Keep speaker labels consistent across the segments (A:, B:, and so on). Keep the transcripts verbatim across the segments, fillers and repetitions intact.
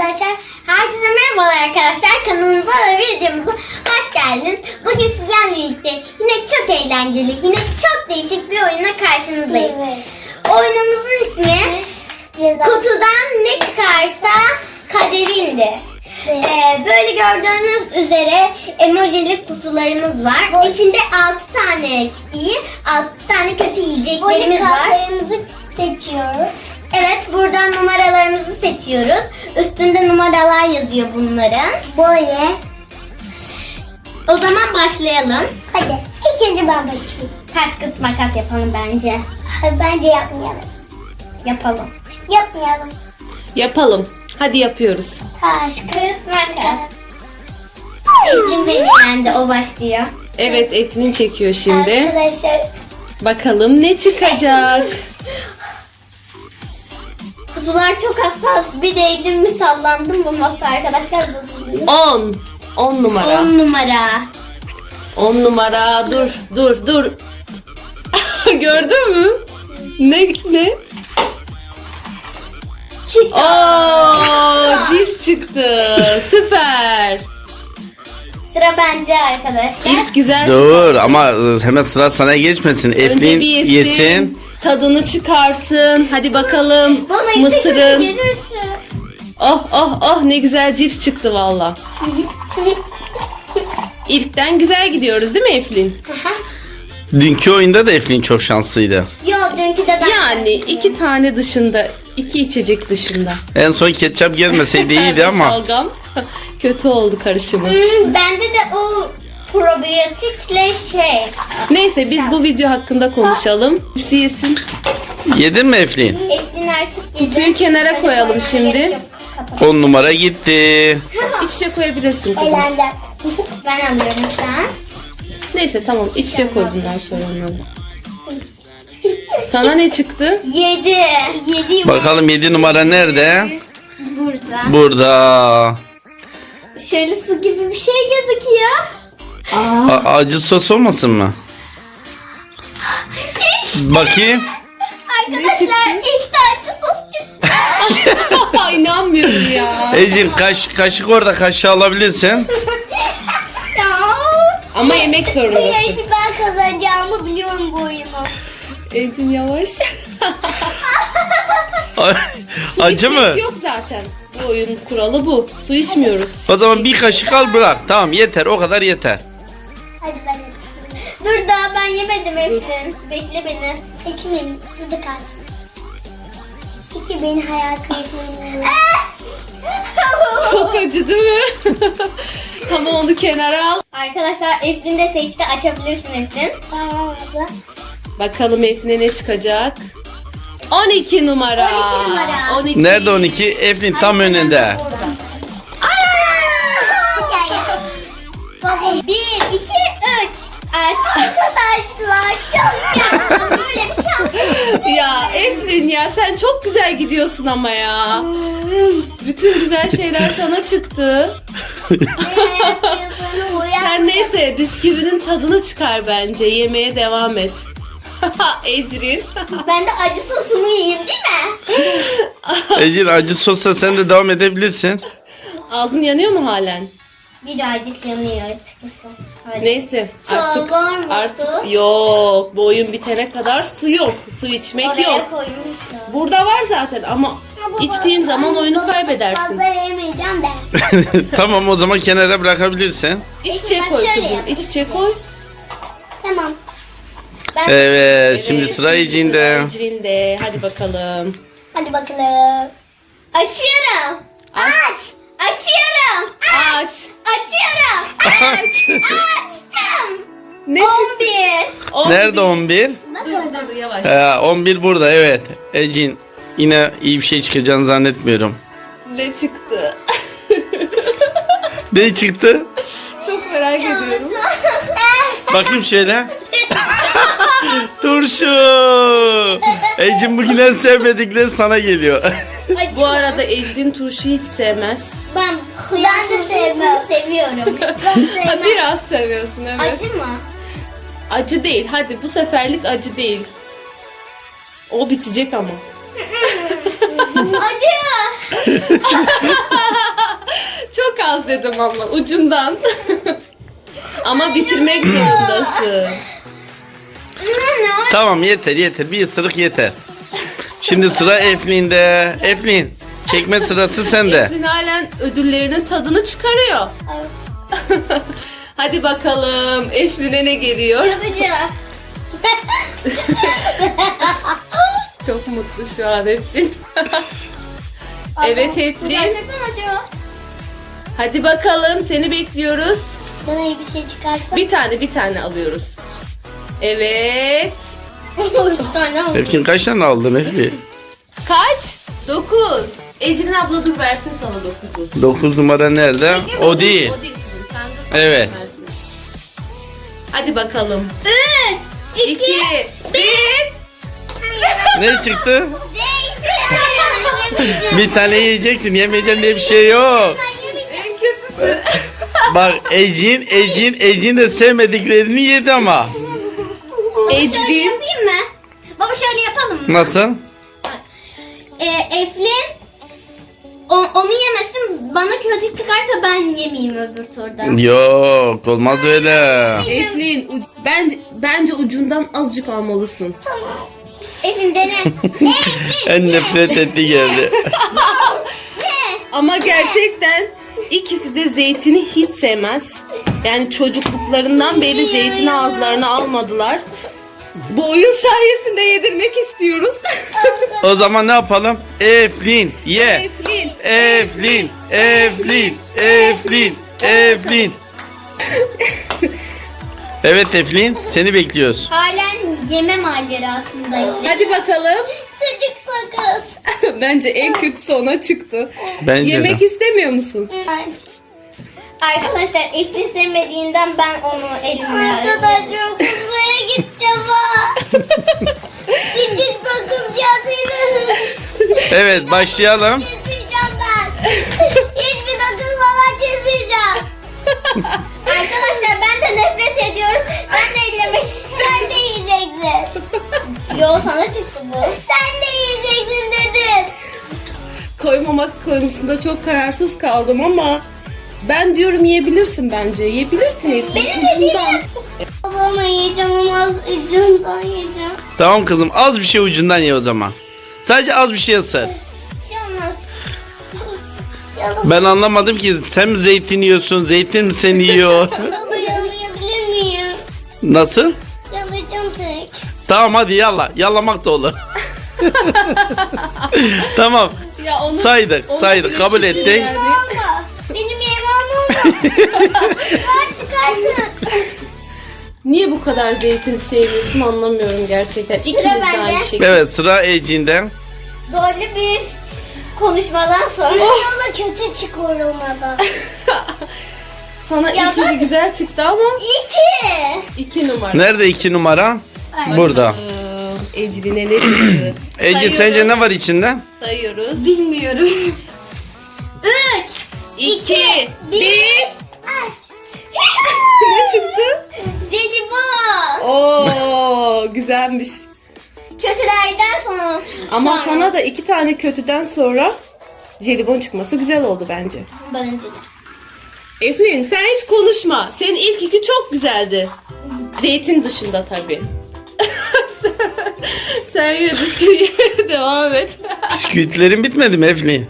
A: arkadaşlar. Herkese merhabalar arkadaşlar. Kanalımıza ve videomuza hoş geldiniz. Bugün sizlerle birlikte yine çok eğlenceli, yine çok değişik bir oyuna karşınızdayız. Evet. Oyunumuzun ismi Ceza. Kutudan ne çıkarsa kaderindir. Evet. Ee, böyle gördüğünüz üzere emojilik kutularımız var. Evet. İçinde altı tane iyi, altı tane kötü yiyeceklerimiz var.
B: Kartlarımızı seçiyoruz.
A: Evet, buradan numaralarımızı seçiyoruz. Üstünde numaralar yazıyor bunların.
B: Böyle.
A: O zaman başlayalım.
B: Hadi. İlk önce ben başlayayım.
A: Taş kağıt makas yapalım bence.
B: Hayır, bence yapmayalım.
A: Yapalım.
B: Yapmayalım.
C: Yapalım. Hadi yapıyoruz.
B: Taş, kağıt, makas.
A: Ecin beni yendi, o başlıyor.
C: Evet, Eflin çekiyor şimdi.
B: Arkadaşlar.
C: Bakalım ne çıkacak.
A: Kutular çok hassas. Bir değdim mi sallandım bu masa arkadaşlar bozuluyor.
C: on. on numara.
A: on numara.
C: on numara. Dur, dur, dur. Gördün mü? Ne ne?
A: Çıktı.
C: Oo, cips çıktı. Süper.
A: Sıra bende arkadaşlar.
C: İlk güzel
D: Dur
C: çıktı.
D: ama hemen sıra sana geçmesin.
C: Önce
D: Eflin
C: bir yesin,
D: yesin.
C: tadını çıkarsın. Hadi bakalım.
A: Bana
C: Mısırın.
A: gelirse.
C: Oh oh oh, ne güzel cips çıktı valla. İlkten güzel gidiyoruz değil mi Eflin?
D: Dünkü oyunda da Eflin çok şanslıydı.
A: Yo, dünkü de ben.
C: Yani iki tane dışında, iki içecek dışında.
D: En son ketçap gelmeseydi iyiydi ama.
C: Şalgam kötü oldu karışımı.
A: Hmm, bende de o probiyotikle şey.
C: Neyse biz bu video hakkında konuşalım. Hepsi yesin.
D: Yedin mi Eflin?
A: Eflin artık yedi.
C: Kutuyu kenara
A: Böyle
C: koyalım
A: koymana
C: şimdi.
A: gerek yok. Kapat.
D: on numara gitti.
C: İç içe koyabilirsin kızım.
B: Eğlendim.
A: Ben alıyorum şu an.
C: Neyse tamam, iç içe koy bundan sonra onları. Sana ne çıktı?
A: Yedi. Yedi.
D: Bakalım yedi numara nerede?
A: Burada.
D: Burada.
A: Şöyle su gibi bir şey gözüküyor.
D: A- acı sos olmasın mı? Bakayım.
A: Arkadaşlar ilk tane sos çıktı.
C: İnanmıyorum ya.
D: Ecin kaş, kaşık orada, kaşığı alabilirsin.
A: Ya.
C: Ama yemek zorundasın.
B: Yarışı ben kazanacağımı biliyorum bu oyunu.
C: Ecin yavaş. Su
D: Acı
C: içmek
D: mı?
C: Yok zaten. Bu oyun kuralı bu. Su içmiyoruz.
D: O zaman bir kaşık al bırak. Tamam yeter, o kadar yeter.
B: Hadi ben açayım.
A: Dur daha ben yemedim Eflin. Bekle beni.
B: İçmeyeyim. Suda kalsın. İki beni hayal kırıklığına.
C: Çok acı değil mi? Tamam, onu kenara al.
A: Arkadaşlar Eflin de seçti. Açabilirsin Eflin.
B: Tamam abla.
C: Bakalım Eflin'e ne çıkacak? on iki numara.
A: on iki numara.
C: on iki.
D: Nerede on iki? Eflin tam önünde.
A: Baba bir, iki, üç. Aç. Arkadaşlar çok güzel. Böyle bir şans.
C: Ya Eflin ya, sen çok güzel gidiyorsun ama ya. Bütün güzel şeyler sana çıktı. Sen neyse bisküvinin tadını çıkar bence. Yemeye devam et. Ecrin.
A: Ben de acı sosumu yiyeyim değil mi?
D: Ecin acı sosla sen de devam edebilirsin.
C: Ağzın yanıyor mu halen?
A: Birazcık yanıyor açıkçası. Hadi.
C: Neyse
A: Su
C: artık
A: var mı
C: artık
A: su?
C: yok. Bu oyun bitene kadar su yok. Su içmek
A: Oraya
C: yok.
A: koymuşlar.
C: Burada var zaten ama içtiğin zaman oyunu kaybedersin.
B: Fazla yemeyeceğim de.
D: Tamam, o zaman kenara bırakabilirsin.
C: İç içe
A: Ben
C: koy
A: şöyle
C: kızım.
A: yap,
C: İç
A: iç
C: içe
A: içe.
C: koy.
B: Tamam.
A: Ben
D: Evet, şimdi
C: Evet,
D: sıra Ecin'de.
C: sıra Ecrin'de. Hadi bakalım.
B: Hadi bakalım.
A: açıyorum.
C: Aç.
A: Açıyorum.
C: Aç.
A: Açıyorum.
D: Aç.
A: Açtım.
C: Ne çıktı?
A: on bir.
C: On
D: Nerede
C: bir.
D: on bir?
C: Dur dur yavaş.
D: Ee, on bir burada, evet. Ecin, yine iyi bir şey çıkacağını zannetmiyorum.
C: Ne çıktı?
D: Ne çıktı?
C: Çok merak ediyorum.
D: Bakayım şöyle. Turşu. Ecin bugün en sevmedikleri sana geliyor.
A: Acı
C: Bu arada Ecrin turşu hiç sevmez.
A: ben hıyar
B: Ben de
A: turşusunu
B: sevmem.
A: seviyorum.
B: Ben sevmem.
C: Biraz seviyorsun evet.
A: Acı mı?
C: Acı değil. Hadi bu seferlik acı değil. O bitecek ama.
A: Acı.
C: Çok az dedim ama ucundan. Ama bitirmek zorundasın.
D: Tamam yeter yeter. Bir ısırık yeter. Şimdi sıra Eflin'de. Eflin çekme sırası sende.
C: Eflin halen ödüllerinin tadını çıkarıyor. Hadi bakalım Eflin'e ne geliyor?
A: Yazıcı.
C: Çok mutlu şu an Eflin. Evet
A: Bu
C: Eflin.
A: gerçekten acıyor.
C: Hadi bakalım seni bekliyoruz.
B: Bana iyi bir şey çıkarsa.
C: Bir tane bir tane alıyoruz. Evet.
A: Üç tane oldu.
D: Eflin kaç tane aldın Eflin?
C: Kaç? Dokuz. Ecrin abla dur versin sana dokuzu.
D: Dokuz numara nerede? O değil.
C: O değil kızım. Sen de
D: Evet.
C: versin. Hadi bakalım.
A: Üç.
C: İki. Bir.
D: Ne çıktı? Bir tane yiyeceksin. Yemeyeceğim diye bir şey yok.
C: En kötüsü.
D: Bak Ecin, Ecin, Ecin de sevmediklerini yedi ama.
A: Baba şöyle
C: Ecrin.
A: yapayım mı? Baba şöyle yapalım mı?
D: Nasıl?
A: Ee, Eflin o- onu yemesin, bana kötü çıkarsa ben yemeyeyim öbür turdan.
D: Yok olmaz öyle.
C: Eflin uc- bence, bence ucundan azıcık almalısın.
A: Eflin dene. Eflin
D: En nefret etti geldi.
C: Ama gerçekten ikisi de zeytini hiç sevmez. Yani çocukluklarından beri zeytini ağızlarına almadılar. Bu oyun sayesinde yedirmek istiyoruz.
D: O zaman ne yapalım? Eflin ye.
C: Eflin.
D: Eflin, Eflin, Eflin, Eflin. Evet Eflin, seni bekliyoruz.
A: halen yeme macerasındayım.
C: Hadi bakalım.
A: Çocuk sakız.
C: Bence en kötüsü ona çıktı.
D: Bence
C: Yemek
D: de.
C: istemiyor musun?
A: Arkadaşlar Eflin sevmediğinden ben onu elimle
B: Arkadaşım kızmaya gideceğim ha. Küçük sakız yazıyla
D: Evet başlayalım.
B: çizmeyeceğim ben. Hiçbir sakız falan çizmeyeceğim.
A: Arkadaşlar ben de nefret ediyorum. Ben de ellemek istiyorum.
B: Sen de yiyeceksin.
A: Yo sana çıktı bu.
B: Sen de yiyeceksin dedim.
C: Koymamak konusunda çok kararsız kaldım ama ben diyorum yiyebilirsin bence. Yiyebilirsin Eflin.
A: Benim de
C: Ucundan.
B: Babama yiyeceğim ama az ucundan yiyeceğim.
D: Tamam kızım az bir şey ucundan ye o zaman. Sadece az bir şey ısır.
A: Bir şey olmaz.
B: Yalan.
D: Ben anlamadım ki sen mi zeytin yiyorsun, zeytin mi seni yiyor?
B: Baba yalayabilir miyim?
D: Nasıl?
B: Yalayacağım tek.
D: Tamam hadi yalla. Yallamak da olur. Tamam.
C: Ya onu,
D: Saydık,
C: onu
D: saydık, kabul
C: birleştirin
D: ettik.
C: yani.
B: Ama benim yemeğim olmadı. Ben çıkardım.
C: Niye bu kadar zeytin sevmiyorsun anlamıyorum gerçekten. İkiniz de
A: bende.
C: aynı şekilde.
D: Evet sıra Ecin'den.
A: Zorlu bir konuşmadan sonra.
B: Yola kötü çıkarılmadan.
C: Sana
A: Ya
C: iki
A: bak-
C: güzel çıktı ama
A: İki.
C: iki numara.
D: Nerede iki numara? Burada.
C: Ee, Ecrin'e ne çıktı?
D: Ecin
C: Sayıyoruz.
D: sence ne var içinde?
C: Sayıyoruz.
A: Bilmiyorum. Üç.
C: İki,
A: bir.
C: bir.
A: Aç.
C: Ne çıktı?
A: Jelibon.
C: Oo, güzelmiş.
A: Kötülerden sonra.
C: Ama
A: sonra-
C: sana da iki tane kötüden sonra jelibon çıkması güzel oldu bence.
A: Ben dedim.
C: Eflin sen hiç konuşma. Senin ilk iki çok güzeldi. Zeytin dışında tabii. Sen yine bisküviye devam et.
D: Bisküvitlerin bitmedi mi Eflin?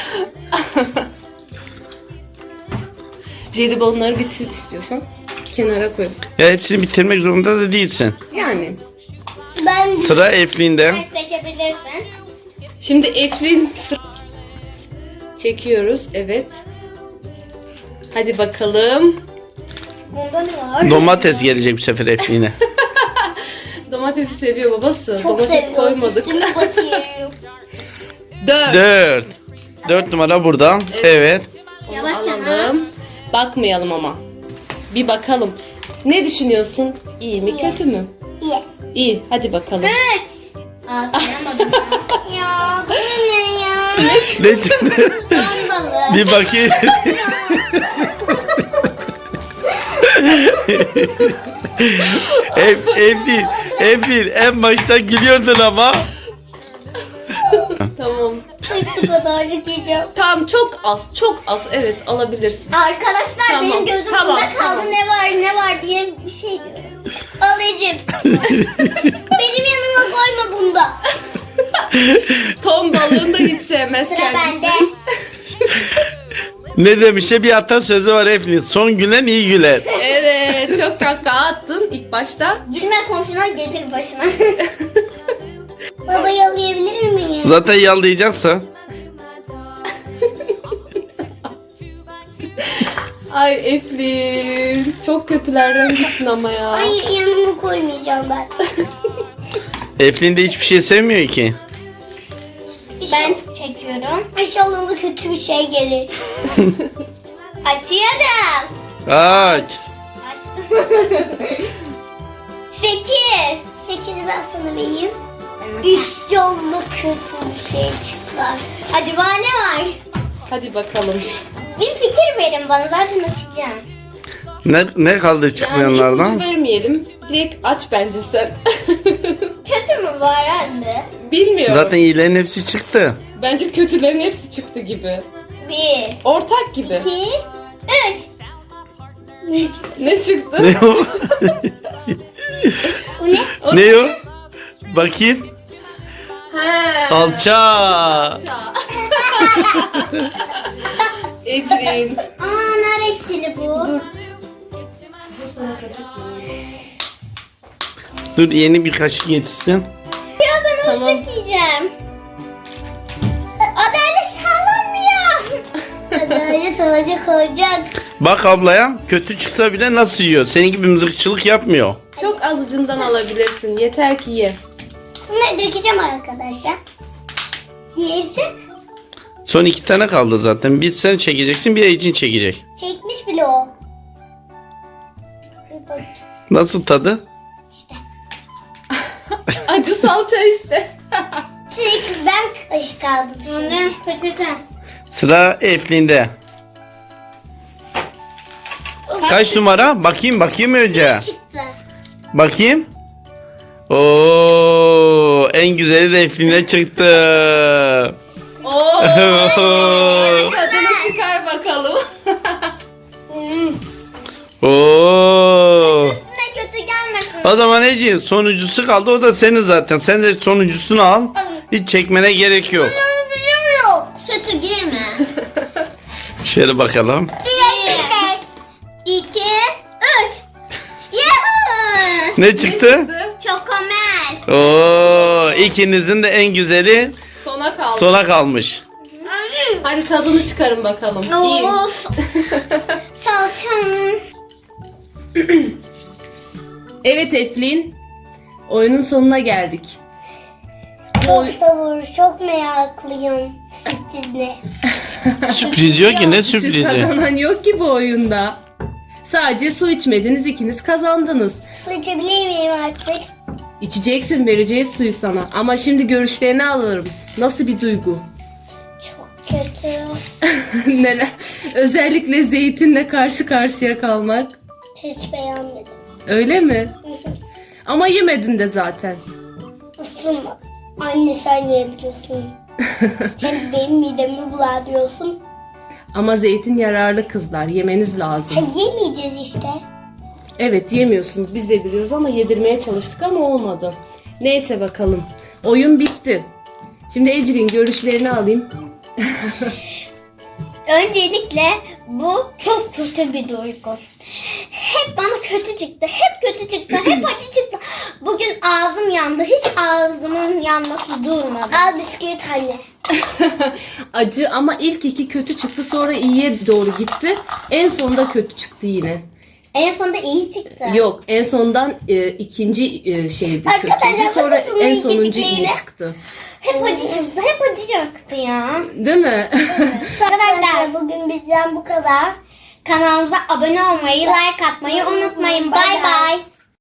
C: Jelibonları bitir istiyorsan kenara koy.
D: Ya hepsini bitirmek zorunda da değilsin.
C: Yani.
B: Ben
D: Sıra Eflin'de.
A: Sen seçebilirsin.
C: Şimdi Eflin sıra... Çekiyoruz. Evet. Hadi bakalım.
A: Bunda ne var?
D: Domates gelecek bu sefer Eflin'e.
C: Domatesi seviyor babası.
B: çok
C: Domates
B: seviyorum.
C: koymadık.
B: Üstüne batırıyorum.
C: Dört.
D: Dört. Dört numara burada. Evet.
C: Onu
A: Yavaşça
C: alalım. Bakmayalım ama. Bir bakalım. Ne düşünüyorsun? İyi mi kötü mü?
B: İyi.
C: İyi. Hadi bakalım.
A: Üç. Aa sayamadım ya.
B: Ya bu ne ya?
D: Ne çıktı?
A: Son balığı.
D: Bir bakayım. Ef, Eflin, Eflin en başta gülüyordun ama.
C: Tamam.
B: Şu kadarcık yiyeceğim.
C: Tamam, çok az, çok az. Evet, alabilirsin.
A: Arkadaşlar
C: Tamam,
A: benim gözüm
C: tamam,
A: bunda kaldı.
C: tamam.
A: Ne var ne var diye bir şey diyorum.
B: Alıcım. Benim yanıma koyma bunda.
C: Ton balığını da hiç sevmez
A: Sıra
C: kendisi.
A: bende.
D: Ne demişe bir atasözü var Eflin. Son gülen iyi güler.
C: Evet, çok kahkaha attın ilk başta.
A: Gülme komşuna getir başına.
B: Baba yalayabilir miyim?
D: Zaten yallayacaksa.
C: Ay Eflin, çok kötülerden gittin ama ya.
B: Ay yanıma koymayacağım ben.
D: Eflin de hiçbir şey sevmiyor ki.
A: Ben çekiyorum.
B: İnşallah ona kötü bir şey gelir.
A: Açıyorum.
D: Aç.
A: Açtım. Sekiz.
B: Sekizi ben sana vereyim. İnşallah kötü bir şey çıkar.
A: Acaba ne var?
C: Hadi bakalım.
A: Bir fikir verin bana, zaten açacağım.
D: Ne, ne kaldı
C: Yani
D: çıkmayanlardan?
C: ipucu vermeyelim. Direkt aç bence sen.
A: Kötü mü var anne?
C: Bilmiyorum.
D: Zaten iyilerin hepsi çıktı.
C: Bence kötülerin hepsi çıktı gibi.
A: Bir,
C: Ortak gibi.
A: iki, üç.
C: Ne çıktı?
D: Ne o?
B: Bu ne?
C: O
D: Ne o? Bakayım.
C: He.
D: Salça.
C: Ecrin.
A: Aa, nar ekşili bu.
D: Dur yeni bir kaşık getirsin.
A: Ya ben
C: Tamam.
A: olacak yiyeceğim. Adalet sağlanmıyor.
B: Adalet olacak olacak.
D: Bak ablaya kötü çıksa bile nasıl yiyor. Senin gibi mızıkçılık yapmıyor.
C: Çok az ucundan alabilirsin. Yeter ki ye.
B: Şunu dökeceğim arkadaşlar. Neyse.
D: Son iki tane kaldı zaten. Bir sen çekeceksin, bir Ecin çekecek.
B: Çekmiş bile o. Bir bak
D: Nasıl tadı?
B: işte.
C: Acı salça işte.
B: Tek ben kaşık aldım.
A: Anne peçete.
D: Sıra Eflin'de. Kaç numara? Bakayım bakayım önce.
B: Çıktı.
D: Bakayım. Oo, en güzeli de Eflin'e çıktı.
C: Oo. Tadını çıkar bakalım.
B: Hmm.
D: Oo.
A: Üstüne kötü gelmesin.
D: O zaman Ecin sonuncusu kaldı. O da senin zaten. Sen de sonuncusunu al. Hiç çekmene gerek yok.
B: Biliyorum.
A: Kötü girme.
D: Şöyle bakalım.
A: Bir, iki, üç. Yahoo!
D: Ne çıktı?
A: Çokomel.
D: Oo, ikinizin de en güzeli
C: Sona kaldı.
D: sona kalmış.
C: Hadi tadını çıkarın bakalım. İyi.
A: Of. Salçam.
C: Evet Eflin. Oyunun sonuna geldik.
B: Çok sabır, çok meraklıyım. Sürpriz ne?
D: Sürpriz yok ki ne
C: Süt
D: sürprizi.
C: kazanan yok ki bu oyunda. Sadece su içmediniz, ikiniz kazandınız.
B: Su içebilir miyim artık?
C: İçeceksin, vereceğiz suyu sana. Ama şimdi görüşlerini alırım. Nasıl bir duygu?
B: Çok kötü.
C: Neler? Özellikle zeytinle karşı karşıya kalmak.
B: Hiç beğenmedim.
C: Öyle mi? Ama yemedin de zaten.
B: Isınma. Anne sen yiyebiliyorsun. Hem benim midemi bular diyorsun.
C: Ama zeytin yararlı kızlar. Yemeniz lazım.
B: Ha, yemeyeceğiz işte.
C: Evet, yemiyorsunuz. Biz de biliyoruz ama yedirmeye çalıştık ama olmadı. Neyse bakalım. Oyun bitti. Şimdi Ecrin görüşlerini alayım.
A: Öncelikle bu çok kötü bir duygu. Hep bana kötü çıktı. Hep kötü çıktı. Hep acı çıktı. Bugün ağzım yandı. Hiç ağzımın yanması durmadı.
B: Al bisküvit anne.
C: Acı ama ilk iki kötü çıktı, sonra iyiye doğru gitti. En sonunda kötü çıktı yine.
A: En sonunda iyi çıktı.
C: Yok, en sondan e, ikinci e, şeydi
B: Arkadaşlar,
C: kötüydü. Sonra
B: bakın
C: en
B: ilk
C: sonuncu
B: iki
C: iyi
B: yine.
C: çıktı.
A: Hep acı çıktı. Hep acı çıktı ya.
C: Değil mi?
B: Arkadaşlar bugün bizden bu kadar.
A: Kanalımıza abone olmayı, like atmayı unutmayın. Bay bay.